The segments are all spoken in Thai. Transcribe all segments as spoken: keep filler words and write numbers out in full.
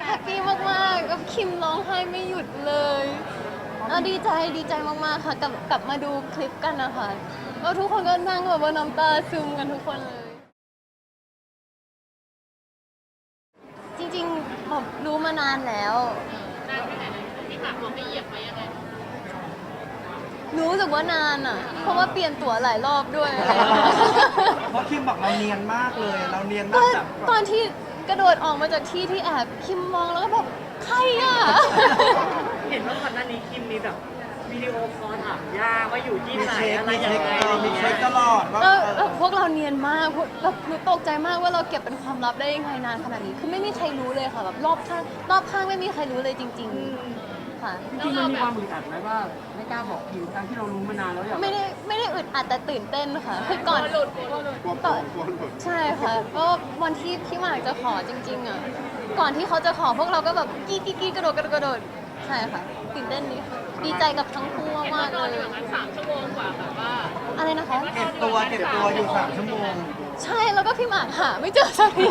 แฮปปี้มากๆกับคิมร้องไห้ไม่หยุดเลยเออดีใจดีใจมากๆค่ะกลับกลับมาดูคลิปกันนะคะแล้วทุกคนก็นั่งแบบว่าน้ำตาซึมกันทุกคนเลย จริงๆแบบรู้มานานแล้วนานแค่ไหนพี่หมากบอกให้เหยียบไว้ยังไงรู้สึกว่านานอ่ะ เพราะว่าเปลี่ยนตั๋วหลายรอบด้วยเพราะคิมบอกเราเนียนมากเลย เราเนียนตมาอก นจากตอนที่กระโดดออกมาจากที่ที่แอบคิมมองแล้วก็แบบใครอ่ะเห็นว่าก่อนหน้านี้คิมมีแบบวิดีโอคอลถามย่าว่าอยู่ที่มีไหนเช็คอะไรมียัเช็งคไงเออมีเช็คตลอดว่าแล้วเอแล้วอพวกเราเนียนมากพวกแบบหนูตกใจมากว่าเราเก็บเป็นความลับได้ยังไงนานขนาดนี้ คือไม่มีใครรู้เลยค่ะแบบรอบข้างรอบข้างไม่มีใครรู้เลยจริง ๆ ค่ะจริงๆมันมีความอึดอัดไหมว่าไม่กล้าบอกคิวทั้งที่เรารู้มานานแล้วอยากไม่ได้ไม่ได้อึดอัดแต่ตื่นเต้นค่ะคือก่อนหลุดกลัวหลุดกลัวต่อกลัวหลุดใช่ค่ะก็วันที่พี่หมากจะขอจริงๆอ่ะก่อนที่เขาจะขอพวกเราก็แบบกี้กี้กี้กระโดดกระโดดกระโดดใช่ค่ะตื่นเต้นดีค่ะดีใจกับทั้งคู่เห็นมาว่าก นๆอนเลอย ยู่อย่างนั้นสามชั่วโมงกว่าแบบว่าอะไรนะคะเก็บตัวเก็บตัวอยู่สามชั่วโมงใช่แล้วก็พี่หมากหาไม่เจอสักที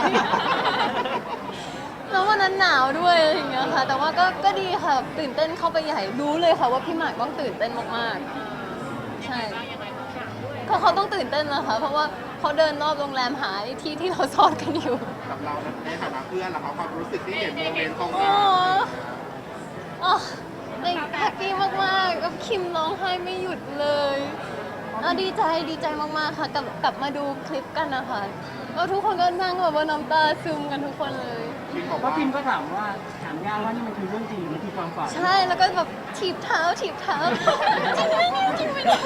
แล้ววันนั้นหนาวด้วยอะไรอย่างเงี้ยค่ะ แต่ว่าก็ก็ดีค่ะตื่นเต้นเข้าไปใหญ่รู้เลยค่ะว่าพี่หมากต้องตื่นเต้นมากๆใช่ยังไงทุกอย่างด้วยก็เขาต้องตื่นเต้นแล้วค่ะเพราะว่าเขาเดินรอบโรงแรมหาไอ้ที่ที่เราซ่อนกันอยู่กับเราในฐานะเพื่อนล่ะครับความรู้สึกที่เห็นโมเมนต์ตรงโอ้นั้นอ๋อแฮปปี้มากๆกับคิมร้องไห้ไม่หยุดเลยเออดีใจดีใจมากๆค่ะกลับกลับมาดูคลิปกันนะคะแล้วทุกคนก็นั่งแบบว่าน้ำตาซึมกันทุกคนเลยคิมบอกเพราะว่าคิมก็ถามว่าถามย่าว่านี่มันคือเรื่องจริงหรือมันคือความฝันใช่แล้วก็แบบถีบเท้าถีบเท้าจริงไหมเนี่ยจริงไหมเนี่ย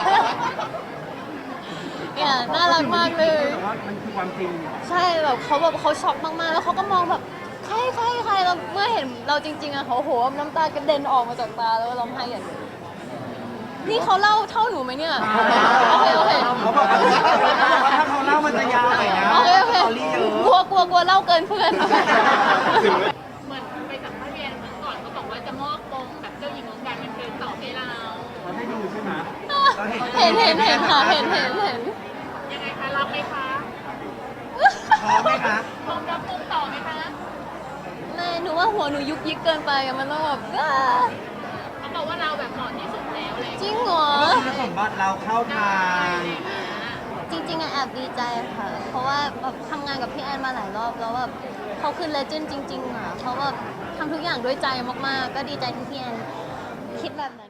เนี่ยน่ารักมากเลยแต่ว่ามันคือความจริงใช่แบบเขาแบบเขาช็อกมากๆ แล้วเขาก็มองแบบใครใครใครแล้วเมื่อเห็นเราจริงๆอะเขาโหน้ำตากระเด็นออกมาจากตาแล้วก็ร้องไห้อย่างเดียวนี่เขาเล่าเท่าหนูไหมเนี่ยโอเคโอเคเขาบอกว่าถ้าเขาเล่ามันจะยาวหน่อยนะโอเคโอเคสตอรี่เยอะกลัวกลัวกลัวเล่าเกินเพื่อนเหมือนไปสัมภาษณ์เรียนเหมือนก่อนเขาบอกว่าจะมอบมงแบบเจ้าหญิงของการบันเทิงต่อให้เราเราได้ดูใช่ไหมเห็นเห็นเห็นค่ะเห็นเห็นเห็นยังไงคะรับไหมคะพร้อมไหมคะมงรับมงต่อไหมคะไม่หนูว่าหัวหนูยุกยิกเกินไปอะมันต้องแบบอ้าเขาบอกว่าเราแบบเหมาะที่สุดแล้วเลยจริงเหรอคุณสมบัติเราเข้าทางจริงๆอะแอบดีใจค่ะ เพราะว่าแบบทำงานกับพี่แอนมาหลายรอบแล้วแบบเขาคือเลเจนด์จริงๆอะเขาแบบทำทุกอย่างด้วยใจมากๆ ก็ดีใจที่พี่แอนคิดแบบนั้น